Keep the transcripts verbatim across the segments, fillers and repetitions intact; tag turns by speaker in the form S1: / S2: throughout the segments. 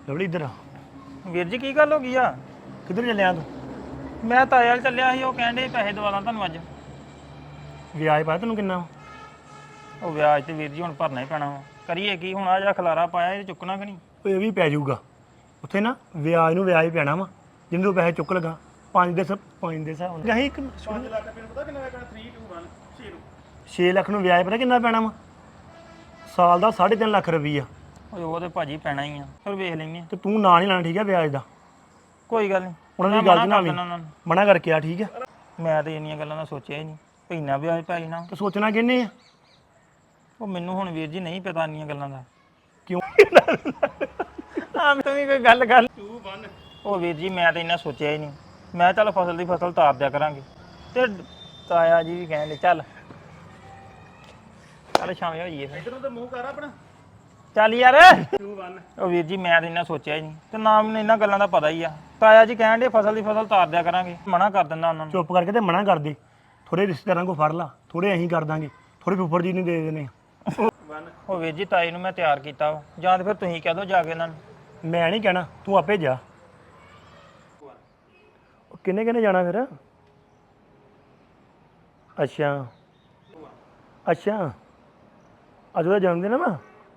S1: Lovely ਇੱਧਰ ਆ।
S2: ਵੀਰ ਜੀ ਕੀ ਗੱਲ ਹੋ ਗਈ ਆ?
S1: ਕਿੱਧਰ ਚੱਲਿਆ ਤੂੰ?
S2: ਮੈਂ ਤਾਏ ਵਾਲ ਚੱਲਿਆ ਸੀ, ਉਹ ਕਹਿੰਦੇ ਪੈਸੇ ਦਵਾ ਦਾਂ ਤੁਹਾਨੂੰ ਅੱਜ।
S1: ਵਿਆਜ ਪਾਇਆ ਤੈਨੂੰ ਕਿੰਨਾ ਵਾ?
S2: ਉਹ ਵਿਆਜ ਤੇ ਵੀਰ ਜੀ ਹੁਣ ਭਰਨਾ ਹੀ ਪੈਣਾ ਵਾ। ਕਰੀਏ ਕੀ ਹੁਣ? ਆ ਜਿਹੜਾ ਖਲਾਰਾ ਪਾਇਆ ਇਹ ਚੁੱਕਣਾ ਕਿ ਨਹੀਂ?
S1: ਉਹ ਇਹ ਵੀ ਪੈ ਜਾਊਗਾ ਉੱਥੇ ਨਾ, ਵਿਆਜ ਨੂੰ ਵਿਆਜ ਪੈਣਾ ਵਾ ਜਿੰਨੇ ਤੋਂ ਪੈਸੇ ਚੁੱਕ ਲਗਾ। ਪੰਜ ਦੇ ਸਭ ਪੰਜ ਦੇ ਹਿਸਾਬ ਨਾਲ ਅਸੀਂ
S2: ਪੰਜ ਲੱਖ ਰੁਪਏ ਨੂੰ ਪਤਾ ਕਿੰਨਾ ਲੱਗਣਾ? ਤਿੰਨ ਦੋ ਇੱਕ ਛੇ ਨੂੰ
S1: ਛੇ ਲੱਖ ਨੂੰ ਵਿਆਜ ਪਤਾ ਕਿੰਨਾ ਪੈਣਾ ਵਾ? ਸਾਲ ਦਾ ਸਾਢੇ ਤਿੰਨ ਲੱਖ ਰੁਪਈਆ।
S2: ਓਏ ਉਹ ਤੇ ਭਾਜੀ ਪੈਣਾ ਹੀ ਆ, ਫਿਰ ਵੇਖ ਲੈਂਦੇ ਆ।
S1: ਤੇ ਤੂੰ ਨਾਂ ਨਹੀਂ ਲੈਣਾ ਠੀਕ ਹੈ ਵਿਆਜ ਦਾ।
S2: ਕੋਈ ਗੱਲ ਨਹੀਂ,
S1: ਉਹਨਾਂ ਦੀ ਗੱਲ ਨਾ ਵੀ ਮਨਾ ਕਰਕੇ ਆ ਠੀਕ ਹੈ।
S2: ਮੈਂ ਤੇ ਇੰਨੀਆਂ ਗੱਲਾਂ ਦਾ ਸੋਚਿਆ ਹੀ ਨਹੀਂ ਵੀ ਇੰਨਾ ਵਿਆਜ ਪੈ ਜਾਣਾ।
S1: ਤੇ ਸੋਚਣਾ ਕਿਹਨੇ ਆ?
S2: ਉਹ ਮੈਨੂੰ ਹੁਣ ਵੀਰ ਜੀ ਨਹੀਂ ਪਤਾ ਇੰਨੀਆਂ ਗੱਲਾਂ ਦਾ।
S1: ਕਿਉਂ?
S2: ਹਾਂ ਤੂੰ ਵੀ ਕੋਈ ਗੱਲ ਗੱਲ ਉਹ ਵੀਰ ਜੀ ਮੈਂ ਤਾਂ ਇੰਨਾ ਸੋਚਿਆ ਹੀ ਨਹੀਂ। ਮੈਂ ਚੱਲ ਫਸਲ ਦੀ ਫਸਲ ਤਾਰ ਦਿਆ ਕਰਾਂਗੇ। ਤੇ ਤਾਇਆ ਜੀ ਵੀ ਕਹਿੰਦੇ ਚੱਲ ਚੱਲ ਸ਼ਾਮੇ ਹੋਈਏ ਫਿਰ।
S1: ਇਧਰੋਂ ਤੇ ਮੂੰਹ ਕਰ ਆਪਣਾ।
S2: ਚੱਲ ਯਾਰ।
S1: ਦੋ ਇੱਕ
S2: ਉਹ ਵੀਰ ਜੀ ਮੈਂ ਤਾਂ ਇੰਨਾ ਸੋਚਿਆ ਹੀ ਨਹੀਂ, ਤੇ ਨਾ ਮੈਨੂੰ ਇਹਨਾਂ ਗੱਲਾਂ ਦਾ ਪਤਾ ਹੀ ਆ। ਤਾਇਆ ਜੀ ਕਹਿਣ ਦੇ ਫਸਲ ਦੀ ਫਸਲ ਤਾਰ ਦਿਆ ਕਰਾਂਗੇ, ਮਨਾ ਕਰ ਦਿੰਦਾ ਉਹਨਾਂ ਨੂੰ।
S1: ਚੁੱਪ ਕਰਕੇ ਤੇ ਮਨਾ ਕਰ ਦੇ। ਥੋੜੇ ਰਿਸ਼ਤੇਦਾਰਾਂ ਕੋ ਫੜ ਲਾ, ਥੋੜੇ ਅਸੀਂ ਕਰ ਦਾਂਗੇ, ਥੋੜੇ ਫੁੱਫੜ ਜੀ ਨੂੰ ਦੇ ਦੇਣੇ ਆ।
S2: ਉਹ ਵੀਰ ਜੀ ਤਾਈ ਨੂੰ ਮੈਂ ਤਿਆਰ ਕੀਤਾ ਵਾ, ਜਾਂ ਤਾਂ ਫਿਰ ਤੁਸੀਂ ਕਹਿ ਦਿਓ ਜਾ ਕੇ ਇਹਨਾਂ ਨੂੰ।
S1: ਮੈਂ ਨਹੀਂ ਕਹਿਣਾ, ਤੂੰ ਆਪੇ ਜਾ। ਕਿੰਨੇ ਕਿੰਨੇ ਜਾਣਾ ਫਿਰ? ਅੱਛਾ ਅੱਛਾ ਅੱਜ ਉਹਦਾ ਜਨਮ ਦਿਨ ਆ ਵਾ।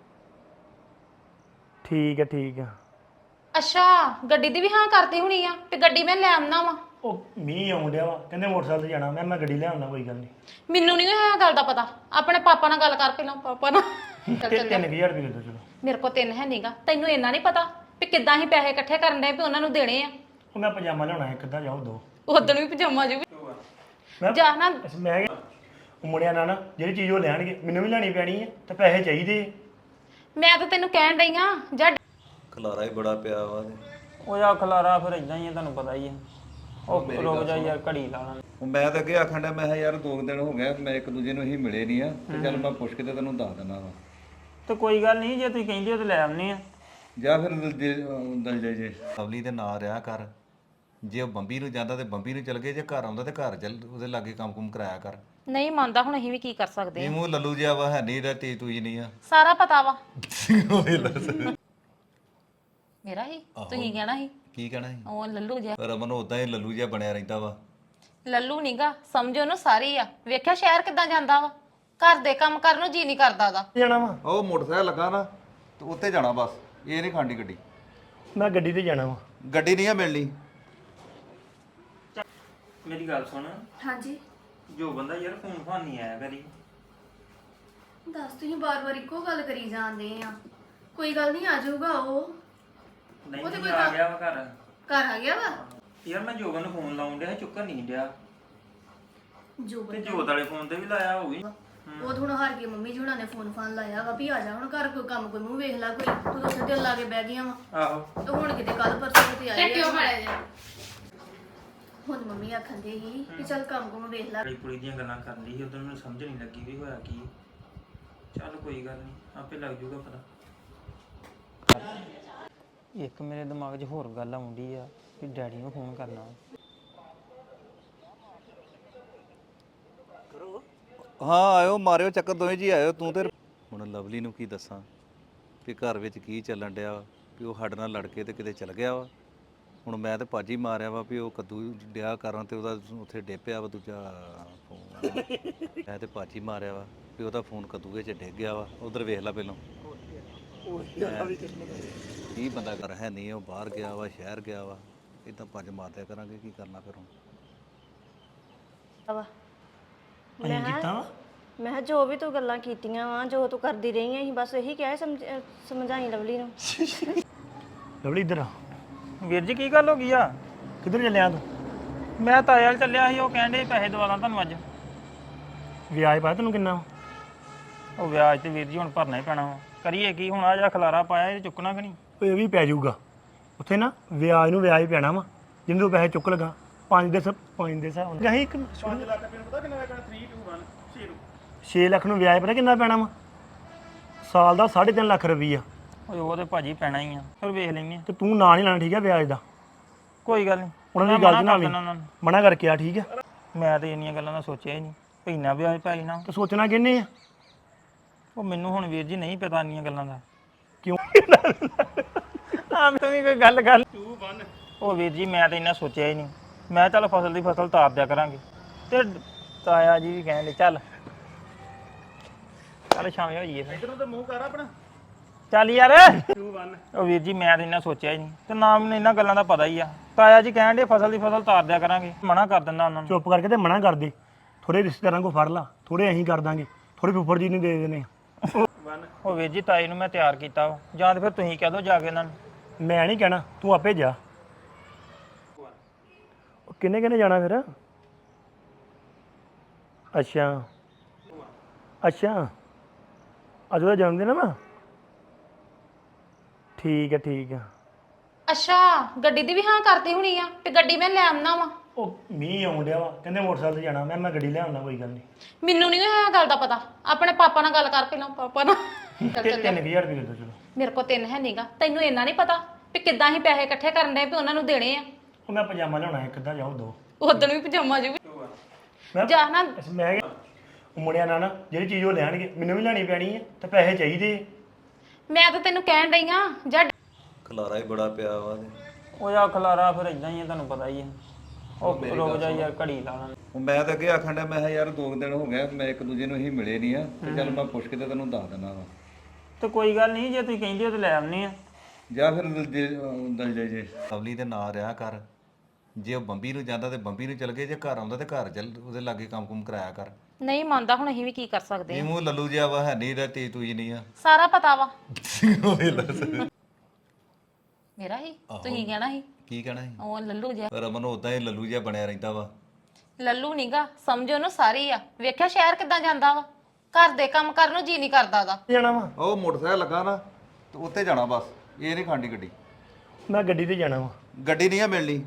S1: ਠੀਕ ਹੈ ਠੀਕ ਹੈ।
S3: ਅੱਛਾ ਗੱਡੀ ਦੀ ਵੀ ਹਾਂ ਕਰਦੀ ਹੋਣੀ ਆ ਤੇ ਗੱਡੀ ਮੈਂ ਲੈ ਆਉਣਾ ਵਾ।
S1: ਉਹ ਮੀਂਹ ਆਉਣ ਡਿਆ ਵਾ, ਕਹਿੰਦੇ ਮੋਟਰਸਾਈਕਲ ਤੇ ਜਾਣਾ। ਮੈਂ ਮੈਂ ਗੱਡੀ ਲੈ ਆਉਣਾ, ਕੋਈ ਗੱਲ ਨਹੀਂ।
S3: ਮੈਨੂੰ ਨਹੀਂ ਇਹ ਗੱਲ ਦਾ ਪਤਾ, ਆਪਣੇ ਪਾਪਾ ਨਾਲ ਗੱਲ ਕਰ ਪਹਿਲਾਂ। ਪਾਪਾ ਨਾਲ ਚੱਲ
S1: ਤੇ
S3: ਚੱਲ
S1: ਤਿੰਨ ਕੁ ਹਜ਼ਾਰ ਰੁਪਏ ਦੇ ਦਿਓ ਚਲੋ।
S3: ਮੇਰੇ ਕੋਲ ਤਿੰਨ ਹੈ ਨਹੀਂਗਾ, ਤੈਨੂੰ ਇੰਨਾ ਨਹੀਂ ਪਤਾ ਵੀ ਕਿੱਦਾਂ ਹੀ ਪੈਸੇ ਇਕੱਠੇ ਕਰਨ ਦੇ ਵੀ ਉਹਨਾਂ ਨੂੰ ਦੇਣੇ ਆ।
S1: ਉਹ ਮੈਂ ਪਜਾਮਾ ਲਿਆਉਣਾ ਇੱਕ ਅੱਧਾ, ਜਾਓ ਦੋ।
S3: ਉਦੋਂ ਵੀ ਪਜਾਮਾ ਜੂ
S1: ਮੈਂ
S3: ਜਾ ਨਾ।
S1: ਮੈਂ ਕਿਹਾ ਉਹ ਮੁੰਡਿਆਂ ਨਾਲ ਨਾ ਜਿਹੜੀ ਚੀਜ਼ ਉਹ ਲੈਣਗੇ ਮੈਨੂੰ ਵੀ ਲੈਣੀ ਪੈਣੀ ਹੈ, ਤੇ ਪੈਸੇ ਚਾਹੀਦੇ ਆ।
S3: ਮੈਂ ਤਾਂ ਤੈਨੂੰ ਕਹਿਣ ਡਈ ਆ ਜਾ।
S4: ਖਲਾਰਾ ਹੀ ਬੜਾ ਪਿਆ ਵਾ ਤੇ
S2: ਉਹ ਆ ਖਲਾਰਾ ਫਿਰ ਇਦਾਂ ਹੀ ਆ, ਤੁਹਾਨੂੰ ਪਤਾ ਹੀ ਆ। ਉਹ ਰੁਕ ਜਾ ਯਾਰ, ਘੜੀ ਲਾਣਾ।
S4: ਉਹ ਮੈਂ ਤਾਂ ਅੱਗੇ ਆਖਣ ਡਿਆ, ਮੈਂ ਕਿਹਾ ਯਾਰ ਦੋ ਕੁ ਦਿਨ ਹੋ ਗਏ ਮੈਂ ਇੱਕ ਦੂਜੇ ਨੂੰ ਹੀ ਮਿਲੇ ਨਹੀਂ ਆ, ਤੇ ਚੱਲ ਮੈਂ ਪੁੱਛ ਕੇ ਤੇ ਤੈਨੂੰ ਦੱਸ ਦਿੰਦਾ ਵਾ।
S2: ਤੇ ਕੋਈ ਗੱਲ ਨਹੀਂ, ਜੇ ਤੁਸੀਂ ਕਹਿੰਦੇ ਹੋ ਤੇ ਲੈ ਆਉਂਦੇ ਆ।
S4: ਜਾਂ ਫਿਰ ਦਲਜੇ ਜੇ ਲਵਲੀ ਦੇ ਨਾਂ ਰਿਹਾ ਕਰ। ਜੇ ਉਹ ਬੰਬੀ ਨੂੰ ਜਾਂਦਾ ਤੇ ਬੰਬੀ ਨੂੰ ਚਲ ਗਏ, ਜੇ ਘਰ ਆਉਂਦਾ ਤੇ ਘਰ ਚੱਲ ਉਹਦੇ ਲਾਗੇ ਕੰਮ ਕੁਮ ਕਰਾਇਆ ਕਰ।
S3: ਨਹੀਂ ਮੰਨਦਾ, ਹੁਣ ਅਸੀਂ ਵੀ ਕੀ ਕਰ ਸਕਦੇ
S4: ਇਹ ਮੂੰਹ ਲੱਲੂ ਜਿਹਾ ਵਾ, ਹੈ ਨਹੀਂ ਤੀ ਤੂੰ ਹੀ ਨਹੀਂ ਆ।
S3: ਸਾਰਾ ਪਤਾ ਵਾ ਮੇਰਾ ਹੀ ਤੁਸੀਂ ਕਹਿਣਾ ਸੀ
S4: ਕੀ ਕਹਿਣਾ ਸੀ?
S3: ਉਹ ਲੱਲੂ ਜਿਹਾ।
S4: ਰਮਨ ਉਦਾਂ ਹੀ ਲੱਲੂ ਜਿਹਾ ਬਣਿਆ ਰਹਿੰਦਾ ਵਾ।
S3: ਲੱਲੂ ਨੀਗਾ, ਸਮਝੋ ਉਹਨੂੰ ਸਾਰੀ ਆ। ਵੇਖਿਆ ਸ਼ਹਿਰ ਕਿੱਦਾਂ ਜਾਂਦਾ ਵਾ, ਘਰ ਦੇ ਕੰਮ ਕਰਨ ਨੂੰ ਜੀ ਨਹੀਂ ਕਰਦਾ ਦਾ।
S1: ਜਾਣਾ ਵਾ
S4: ਉਹ ਮੋਟਰਸਾਈਕਲ ਲੱਗਾ ਨਾ ਤੇ ਉੱਤੇ ਜਾਣਾ ਬਸ, ਇਹ ਨਹੀਂ ਖਾਂਡੀ ਗੱਡੀ।
S1: ਮੈਂ ਗੱਡੀ ਤੇ ਜਾਣਾ ਵਾ।
S4: ਗੱਡੀ ਨਹੀਂ ਆ ਮਿਲਣੀ।
S2: ਮੇਰੀ ਗੱਲ ਸੁਣ।
S5: ਹਾਂਜੀ
S2: ਜੋ ਬੰਦਾ ਯਾਰ ਫੋਨ ਫਾਨ ਨਹੀਂ ਆਇਆ ਕਰੀ।
S5: ਦੱਸ, ਤੁਸੀਂ ਬਾਰ-ਬਾਰ ਇੱਕੋ ਗੱਲ ਕਰੀ ਜਾਂਦੇ ਆ। ਕੋਈ ਗੱਲ ਨਹੀਂ, ਆ ਜਾਊਗਾ ਉਹ।
S2: ਨਹੀਂ
S5: ਉਹ ਤੇ
S2: ਨਹੀਂ
S5: ਕੋਈ
S2: ਆ
S5: ਗੱਲ-
S2: ਗਿਆ ਵਾ ਘਰ।
S5: ਘਰ ਆ ਗਿਆ ਵਾ
S2: ਯਾਰ ਮੈਂ ਜੋਬਨ ਨੂੰ ਫੋਨ ਲਾਉਣ ਡਿਆ, ਚੁੱਕਣ ਨਹੀਂ ਡਿਆ।
S5: ਜੋ
S2: ਤੇ ਜੋਤ ਵਾਲੇ ਫੋਨ ਤੇ ਵੀ ਲਾਇਆ ਹੋਊਗੀ।
S5: ਉਹ ਤਾਂ ਹੁਣ ਹਾਰ ਕੇ ਮੰਮੀ ਜੀ ਹੁਣਾਂ ਨੇ ਫੋਨ ਫਾਨ ਲਾਇਆ ਵਾ ਵੀ ਆ ਜਾ ਹੁਣ ਘਰ, ਕੋਈ ਕੰਮ ਕੋਈ ਮੂੰਹ ਵੇਖ ਲੈ ਕੋਈ। ਤੂੰ ਉੱਥੇ ਦਿਲ ਲਾ ਕੇ ਬਹਿ ਗਈਆਂ ਵਾ।
S2: ਆਹੋ
S5: ਤੇ ਹੁਣ ਕਿਤੇ ਕੱਲ ਪਰਸੋਂ ਤੇ ਆਏ ਆ। ਹੁਣ ਮੰਮੀ ਆਖਣ ਦੇ ਸੀ ਕਿ ਚੱਲ ਕੰਮ ਕੁਮ ਵੇਖ ਲੈ।
S2: ਕੁੜੀ ਕੁੜੀ ਦੀਆਂ ਗੱਲਾਂ ਕਰਨ ਦੀ ਸੀ, ਉਦੋਂ ਮੈਨੂੰ ਸਮਝ ਨਹੀਂ ਲੱਗੀ ਵੀ ਹੋਇਆ ਕੀ। ਚੱਲ ਕੋਈ ਗੱਲ ਨਹੀਂ, ਆਪੇ ਲੱਗ ਜੂਗਾ ਪਤਾ। ਇੱਕ ਮੇਰੇ ਦਿਮਾਗ 'ਚ ਹੋਰ ਗੱਲ ਆਉਂਦੀ ਆ ਕਿ ਡੈਡੀ ਨੂੰ ਫੋਨ ਕਰਨਾ।
S4: ਹਾਂ ਆਇਓ, ਮਾਰਿਓ ਚੱਕਰ, ਦੋਵੇਂ ਜੀ ਆਇਓ। ਤੂੰ ਤੇ ਹੁਣ ਲਵਲੀ ਨੂੰ ਕੀ ਦੱਸਾਂ ਕਿ ਘਰ ਵਿੱਚ ਕੀ ਚੱਲਣ ਡਿਆ ਵਾ, ਵੀ ਉਹ ਸਾਡੇ ਨਾਲ ਲੜ ਕੇ ਤੇ ਕਿਤੇ ਚਲ ਗਿਆ ਵਾ। ਹੁਣ ਮੈਂ ਤੇ ਭਾਜੀ ਮਾਰਿਆ ਵਾ ਵੀ ਉਹ ਕੱਦੂ ਡਿਆ ਕਰਨ ਤੇ ਉਹਦਾ ਉੱਥੇ ਡੇਪਿਆ ਵਾ ਦੂਜਾ ਫੋਨ। ਮੈਂ ਤੇ ਭਾਜੀ ਮਾਰਿਆ ਵਾ ਵੀ ਉਹਦਾ ਫੋਨ ਕੱਦੂਏ 'ਚ ਡਿੱਗ ਗਿਆ ਵਾ। ਉਧਰ ਵੇਖ ਲੈ ਪਹਿਲਾਂ ਕੀ ਬੰਦਾ ਕਰ ਹੈ ਨਹੀਂ, ਉਹ ਬਾਹਰ ਗਿਆ ਵਾ, ਸ਼ਹਿਰ ਗਿਆ ਵਾ। ਇਦਾਂ ਭੱਜ ਮਾਰਦਿਆ ਕਰਾਂਗੇ, ਕੀ ਕਰਨਾ ਫਿਰ ਹੁਣ।
S1: ਅਸੀਂ ਕੀਤਾ ਵਾ।
S6: ਮੈਂ ਕਿਹਾ ਜੋ ਵੀ ਤੂੰ ਗੱਲਾਂ ਕੀਤੀਆਂ ਵਾ, ਜੋ ਤੂੰ ਕਰਦੀ ਰਹੀ ਆਂ, ਅਸੀਂ ਬਸ ਇਹੀ ਕਿਹਾ ਸਮਝ ਸਮਝਾਈ ਲਵਲੀ ਨੂੰ।
S1: ਲਵਲੀ ਇੱਧਰ ਆ।
S2: ਵੀਰ ਜੀ ਕੀ ਗੱਲ ਹੋ ਗਈ ਆ?
S1: ਕਿੱਧਰ ਚੱਲਿਆ ਤੂੰ?
S2: ਮੈਂ ਤਾਏ ਵਾਲ ਚੱਲਿਆ ਸੀ, ਉਹ ਕਹਿੰਦੇ ਪੈਸੇ ਦਵਾ ਦਾਂ ਤੁਹਾਨੂੰ ਅੱਜ।
S1: ਵਿਆਜ ਪਾਇਆ ਤੈਨੂੰ ਕਿੰਨਾ ਵਾ?
S2: ਉਹ ਵਿਆਜ ਤੇ ਵੀਰ ਜੀ ਹੁਣ ਭਰਨਾ ਹੀ ਪੈਣਾ ਵਾ। ਕਰੀਏ ਕੀ ਹੁਣ? ਆ ਜਿਹੜਾ ਖਲਾਰਾ ਪਾਇਆ ਇਹ ਚੁੱਕਣਾ ਕਿ ਨਹੀਂ?
S1: ਉਹ ਇਹ ਵੀ ਪੈ ਜਾਊਗਾ ਉੱਥੇ ਨਾ, ਵਿਆਜ ਨੂੰ ਵਿਆਜ ਪੈਣਾ ਵਾ ਜਿੰਨੇ ਤੋਂ ਪੈਸੇ ਚੁੱਕ ਲਗਾ। ਪੰਜ ਦੇ ਸਭ ਪੰਜ ਦੇ ਹਿਸਾਬ ਨਾਲ ਅਸੀਂ ਪੰਜ ਲੱਖ ਰੁਪਏ ਨੂੰ ਪਤਾ ਕਿੰਨਾ ਲੱਗਣਾ? ਤਿੰਨ ਦੋ ਇੱਕ ਛੇ ਨੂੰ ਛੇ ਲੱਖ ਨੂੰ ਵਿਆਜ ਪਤਾ ਕਿੰਨਾ ਪੈਣਾ ਵਾ? ਸਾਲ ਦਾ ਸਾਢੇ ਤਿੰਨ ਲੱਖ ਰੁਪਈਆ।
S2: ਓਏ ਉਹ ਤੇ ਭਾਜੀ ਪੈਣਾ ਹੀ ਆ, ਫਿਰ ਵੇਖ ਲੈਂਦੇ ਆ।
S1: ਤੇ ਤੂੰ ਨਾਂ ਨਹੀਂ ਲੈਣਾ ਠੀਕ ਹੈ ਵਿਆਜ ਦਾ।
S2: ਕੋਈ ਗੱਲ ਨਹੀਂ,
S1: ਉਹਨਾਂ ਦੀ ਗੱਲ ਨਾ ਵੀ ਮਨਾ ਕਰਕੇ ਆ ਠੀਕ ਹੈ।
S2: ਮੈਂ ਤੇ ਇੰਨੀਆਂ ਗੱਲਾਂ ਦਾ ਸੋਚਿਆ ਹੀ ਨਹੀਂ ਵੀ ਇੰਨਾ ਵਿਆਜ ਪੈ ਜਾਣਾ।
S1: ਤੇ ਸੋਚਣਾ ਕਿਹਨੇ ਆ?
S2: ਉਹ ਮੈਨੂੰ ਹੁਣ ਵੀਰ ਜੀ ਨਹੀਂ ਪਤਾ ਇੰਨੀਆਂ ਗੱਲਾਂ ਦਾ।
S1: ਕਿਉਂ?
S2: ਆ ਆ ਤੂੰ ਵੀ ਕੋਈ ਗੱਲ ਗੱਲ ਉਹ ਵੀਰ ਜੀ ਮੈਂ ਤਾਂ ਇੰਨਾ ਸੋਚਿਆ ਹੀ ਨਹੀਂ ਮੈਂ ਚੱਲ ਫਸਲ ਦੀ ਫਸਲ ਤਾਰ ਦਿਆ ਕਰਾਂਗੇ ਤੇ ਤਾਇਆ ਜੀ ਵੀ ਕਹਿੰਦੇ ਚੱਲ ਚੱਲ ਸ਼ਾਮੇ ਹੋਈਏ ਫਿਰ
S1: ਇਧਰੋਂ ਤੇ ਮੂੰਹ ਕਰ ਆਪਣਾ
S2: ਚੱਲ ਯਾਰ
S1: ਟੂ ਵਨ
S2: ਉਹ ਵੀਰ ਜੀ ਮੈਂ ਤਾਂ ਇੰਨਾ ਸੋਚਿਆ ਹੀ ਨਹੀਂ ਤੇ ਨਾ ਮੈਨੂੰ ਇਹਨਾਂ ਗੱਲਾਂ ਦਾ ਪਤਾ ਹੀ ਆ ਤਾਇਆ ਜੀ ਕਹਿੰਦੇ ਫਸਲ ਦੀ ਫਸਲ ਤਾਰ ਦਿਆ ਕਰਾਂਗੇ ਮਨਾ ਕਰ ਦਿੰਦਾ ਉਹਨਾਂ ਨੂੰ
S1: ਚੁੱਪ ਕਰਕੇ ਤੇ ਮਨਾ ਕਰ ਦੇ ਥੋੜੇ ਰਿਸ਼ਤੇਦਾਰਾਂ ਕੋ ਫੜ ਲਾ ਥੋੜੇ ਅਸੀਂ ਕਰ ਦਾਂਗੇ ਥੋੜੇ ਫੁੱਫੜ ਜੀ ਨੂੰ ਦੇ ਦੇਣੇ
S2: ਉਹ ਵੀਰ ਜੀ ਤਾਈ ਨੂੰ ਮੈਂ ਤਿਆਰ ਕੀਤਾ ਵਾ। ਜਾਂ ਤੇ ਫਿਰ ਤੁਸੀਂ ਕਹਿ ਦਿਓ ਜਾ ਕੇ ਇਹਨਾਂ ਨੂੰ
S1: ਮੈਂ ਨਹੀਂ ਕਹਿਣਾ ਤੂੰ ਆਪੇ ਜਾ ਉਹ ਕਿੰਨੇ ਕਿੰਨੇ ਜਾਣਾ ਫਿਰ ਅੱਛਾ ਅੱਛਾ ਅੱਜ ਉਹਦਾ ਜਨਮ ਦਿਨ ਆ ਨਾ ਠੀਕ ਹੈ ਠੀਕ ਹੈ
S3: ਅੱਛਾ ਗੱਡੀ ਦੀ ਵੀ ਹਾਂ ਕਰਤੀ ਹੋਣੀ ਆ ਤੇ ਗੱਡੀ ਮੈਂ ਲੈ ਆਉਣਾ ਵਾ
S1: ਉਹ ਮੀਂਹ ਆਉਣ ਡਿਆ ਵਾ ਕਹਿੰਦੇ ਮੋਟਰਸਾਈਕਲ ਤੇ ਜਾਣਾ ਮੈਂ ਮੈਂ ਗੱਡੀ ਲੈ ਆਉਣਾ ਕੋਈ ਗੱਲ ਨਹੀਂ
S3: ਮੈਨੂੰ ਨਹੀਂ ਇਹ ਗੱਲ ਦਾ ਪਤਾ ਆਪਣੇ ਪਾਪਾ ਨਾਲ ਗੱਲ ਕਰ ਪਹਿਲਾਂ ਪਾਪਾ ਨਾਲ ਚੱਲ ਚੱਲ
S1: ਤਿੰਨ ਕੁ ਹਜ਼ਾਰ ਰੁਪਏ ਦੇ ਦਿਓ ਚਲੋ
S3: ਮੇਰੇ ਕੋਲ ਤਿੰਨ ਹੈ ਨਹੀਂਗਾ ਤੈਨੂੰ ਇੰਨਾ ਨਹੀਂ ਪਤਾ ਵੀ ਕਿੱਦਾਂ ਹੀ ਪੈਸੇ ਇਕੱਠੇ ਕਰਨ ਦੇ ਵੀ ਉਹਨਾਂ ਨੂੰ ਦੇਣੇ ਆ
S1: ਉਹ ਮੈਂ ਪਜਾਮਾ ਲਿਆਉਣਾ ਇੱਕ ਅੱਧਾ ਜਾਓ ਦੋ
S3: ਉਦੋਂ ਵੀ ਪਜਾਮਾ ਜੂ
S1: ਮੈਂ
S3: ਜਾ ਨਾ
S1: ਮੈਂ ਕਿਹਾ, ਉਹ ਮੁੰਡਿਆਂ ਨਾਲ ਨਾ ਜਿਹੜੀ ਚੀਜ਼ ਉਹ ਲੈਣਗੇ ਮੈਨੂੰ ਵੀ ਲੈਣੀ ਪੈਣੀ ਹੈ ਤੇ ਪੈਸੇ ਚਾਹੀਦੇ ਆ।
S3: ਮੈਂ ਤਾਂ ਤੈਨੂੰ ਕਹਿਣ ਡਈ ਆ ਜਾ
S4: ਖਲਾਰਾ ਹੀ ਬੜਾ ਪਿਆ ਵਾ ਤੇ।
S2: ਉਹ ਜਾ ਖਲਾਰਾ ਫਿਰ ਇਦਾਂ ਹੀ ਆ ਤੁਹਾਨੂੰ ਪਤਾ ਹੀ ਆ ਉਹ ਰੁਕ ਜਾ ਯਾਰ ਘੜੀ ਲਾ ਲਾਂਗੇ
S4: ਉਹ ਮੈਂ ਤਾਂ ਅੱਗੇ ਆਖਣ ਡਿਆ ਮੈਂ ਕਿਹਾ ਯਾਰ ਦੋ ਕੁ ਦਿਨ ਹੋ ਗਏ ਮੈਂ ਇੱਕ ਦੂਜੇ ਨੂੰ ਹੀ ਮਿਲੇ ਨਹੀਂ ਆ ਤੇ ਚੱਲ ਮੈਂ ਪੁੱਛ ਕੇ ਤੇ ਤੈਨੂੰ ਦੱਸ ਦਿੰਦਾ ਵਾ
S2: ਤੇ ਕੋਈ ਗੱਲ ਨਹੀਂ ਜੇ ਤੁਸੀਂ ਕਹਿੰਦੇ ਹੋ ਤੇ ਲੈ ਆਉਣੀ ਆ
S4: ਜਾਂ ਫਿਰ ਜੇ ਦਲ ਜੇ ਜੇ ਲਵਲੀ ਦੇ ਨਾਂ ਰਿਹਾ ਕਰ ਜੇ ਉਹ ਬੰਬੀ ਨੂੰ ਜਾਂਦਾ ਤੇ ਬੰਬੀ ਨੂੰ ਚਲ ਗਏ ਜੇ ਘਰ ਆਉਂਦਾ ਤੇ ਘਰ ਚੱਲ ਉਹਦੇ ਲਾਗੇ ਕੰਮ ਕੁਮ ਕਰਾਇਆ ਕਰ
S3: ਨਹੀਂ ਮੰਨਦਾ ਹੁਣ ਅਸੀਂ ਵੀ ਕੀ ਕਰ ਸਕਦੇ
S4: ਇਹ ਮੂੰਹ ਲੱਲੂ ਜਿਹਾ ਵਾ ਹੈ ਨਹੀਂ ਦਾ ਤੀ ਤੂੰ ਨਹੀਂ ਆ
S3: ਸਾਰਾ ਪਤਾ ਵਾ ਮੇਰਾ ਹੀ ਤੁਸੀਂ ਕਹਿਣਾ ਸੀ
S4: ਕੀ ਕਹਿਣਾ ਸੀ
S3: ਉਹ ਲੱਲੂ ਜਿਹਾ
S4: ਰਮਨ ਉਦਾਂ ਹੀ ਲੱਲੂ ਜਿਹਾ ਬਣਿਆ ਰਹਿੰਦਾ ਵਾ
S3: ਲੱਲੂ ਨੀਗਾ ਸਮਝੋ ਉਹਨੂੰ ਸਾਰੀ ਆ ਵੇਖਿਆ ਸ਼ਹਿਰ ਕਿੱਦਾਂ ਜਾਂਦਾ ਵਾ ਘਰ ਦੇ ਕੰਮ ਕਰਨ ਨੂੰ ਜੀ ਨਹੀਂ ਕਰਦਾ ਦਾ
S1: ਜਾਣਾ ਵਾ
S4: ਉਹ ਮੋਟਰਸਾਈਕਲ ਲੱਗਾ ਨਾ ਤੇ ਉੱਤੇ ਜਾਣਾ ਬਸ ਇਹ ਨਹੀਂ ਖਾਂਡੀ ਗੱਡੀ
S1: ਮੈਂ ਗੱਡੀ ਤੇ ਜਾਣਾ ਵਾ
S4: ਗੱਡੀ ਨਹੀਂ ਆ ਮਿਲਣੀ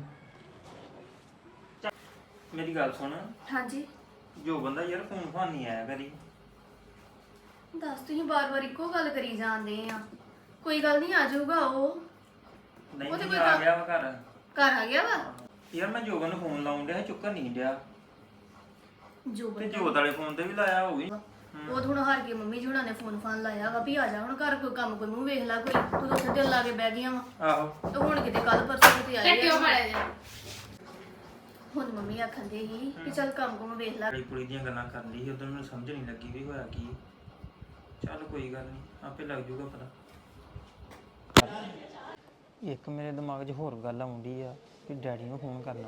S2: ਮੇਰੀ ਗੱਲ ਸੁਣ
S5: ਹਾਂਜੀ
S2: ਜੋ ਬੰਦਾ ਯਾਰ ਫੋਨ ਫਾਨ ਨਹੀਂ ਆਇਆ ਕਰੀ
S5: ਦੱਸ ਤੁਸੀਂ ਬਾਰ-ਬਾਰ ਇੱਕੋ ਗੱਲ ਕਰੀ ਜਾਂਦੇ ਆ ਕੋਈ ਗੱਲ ਨਹੀਂ ਆ ਜਾਊਗਾ ਉਹ
S2: ਨਹੀਂ
S5: ਉਹ ਤੇ
S2: ਨਹੀਂ
S5: ਕੋਈ
S2: ਆ
S5: ਕੰਮ-
S2: ਗਿਆ ਵਾ ਘਰ
S5: ਘਰ ਆ ਗਿਆ ਵਾ
S2: ਯਾਰ ਮੈਂ ਜੋਬਨ ਨੂੰ ਫੋਨ ਲਾਉਣ ਡਿਆ ਚੁੱਕਣ ਨਹੀਂ ਡਿਆ
S5: ਜੋ
S2: ਤੇ ਜੋਤ ਵਾਲੇ ਫੋਨ ਤੇ ਵੀ ਲਾਇਆ ਹੋਊਗੀ
S5: ਉਹ ਹੁਣ ਹਾਰ ਕੇ ਮੰਮੀ ਜੀ ਹੁਣਾਂ ਨੇ ਫੋਨ ਫਾਨ ਲਾਇਆ ਵਾ ਵੀ ਆ ਜਾ ਹੁਣ ਘਰ ਕੋਈ ਕੰਮ ਕੋਈ ਮੂੰਹ ਵੇਖ ਲੈ ਕੋਈ ਤੂੰ ਤਾਂ ਉੱਥੇ ਦਿਲ ਲਾ ਕੇ ਬਹਿ ਗਈਆਂ ਵਾ
S2: ਆਹੋ
S5: ਤੇ ਹੁਣ ਕਿਤੇ ਕੱਲ ਪਰਸੋਂ ਤੇ ਆਏ ਕਿਉਂ ਮਾਰਿਆ ਜਾ ਹੁਣ ਮੰਮੀ ਆਖਣ ਦੇ ਹੀ ਕਿ ਚੱਲ ਕੰਮ ਕੁਮ ਵੇਖ ਲੈ
S2: ਕੁੜੀ ਕੁੜੀ ਦੀਆਂ ਗੱਲਾਂ ਕਰਨ ਦੀ ਸੀ ਉਦੋਂ ਮੈਨੂੰ ਸਮਝ ਨਹੀਂ ਲੱਗੀ ਵੀ ਹੋਇਆ ਕੀ ਚੱਲ ਕੋਈ ਗੱਲ ਨਹੀਂ ਆਪੇ ਲੱਗ ਜੂਗਾ ਪਤਾ ਇੱਕ ਮੇਰੇ ਦਿਮਾਗ 'ਚ ਹੋਰ ਗੱਲ ਆਉਂਦੀ ਆ ਕਿ ਡੈਡੀ ਨੂੰ ਫੋਨ ਕਰਨਾ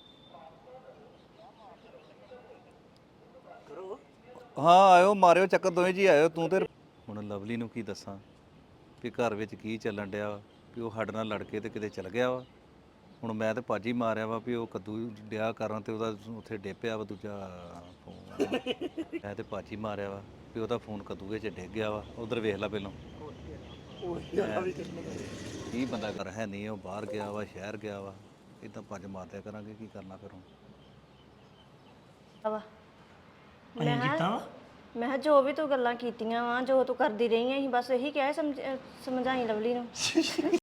S4: ਹਾਂ ਆਇਓ ਮਾਰਿਓ ਚੱਕਰ ਦੋਵੇਂ ਜੀ ਆਇਓ ਤੂੰ ਤੇ ਹੁਣ ਲਵਲੀ ਨੂੰ ਕੀ ਦੱਸਾਂ ਵੀ ਘਰ ਵਿੱਚ ਕੀ ਚੱਲਣ ਡਿਆ ਵਾ ਵੀ ਉਹ ਸਾਡੇ ਨਾਲ ਲੜ ਕੇ ਤੇ ਕਿਤੇ ਚਲ ਗਿਆ ਵਾ ਹੁਣ ਮੈਂ ਤੇ ਭਾਜੀ ਮਾਰਿਆ ਵਾ ਵੀ ਉਹ ਕੱਦੂ ਡਿਆ ਕਰਨ ਤੇ ਉਹਦਾ ਉੱਥੇ ਡੇਪਿਆ ਵਾ ਦੂਜਾ ਫੋਨ ਮੈਂ ਤੇ ਭਾਜੀ ਮਾਰਿਆ ਵਾ ਵੀ ਉਹਦਾ ਫੋਨ ਕੱਦੂਏ 'ਚ ਡਿੱਗ ਗਿਆ ਵਾ ਉਧਰ ਵੇਖ ਲੈ ਪਹਿਲਾਂ ਕੀ ਬੰਦਾ ਕਰ ਹੈ ਨਹੀਂ ਉਹ ਬਾਹਰ ਗਿਆ ਵਾ ਸ਼ਹਿਰ ਗਿਆ ਵਾ ਇਦਾਂ ਭੱਜ ਮਾਰਦਿਆ ਕਰਾਂਗੇ ਕੀ ਕਰਨਾ ਫਿਰ ਹੁਣ
S6: ਵਾ
S1: ਅਸੀਂ ਕੀਤਾ ਵਾ
S6: ਮੈਂ ਕਿਹਾ ਜੋ ਵੀ ਤੂੰ ਗੱਲਾਂ ਕੀਤੀਆਂ ਵਾ ਜੋ ਤੂੰ ਕਰਦੀ ਰਹੀ ਆਂ ਅਸੀਂ ਬਸ ਇਹੀ ਕਿਹਾ ਸਮਝ ਸਮਝਾਈ ਲਵਲੀ ਨੂੰ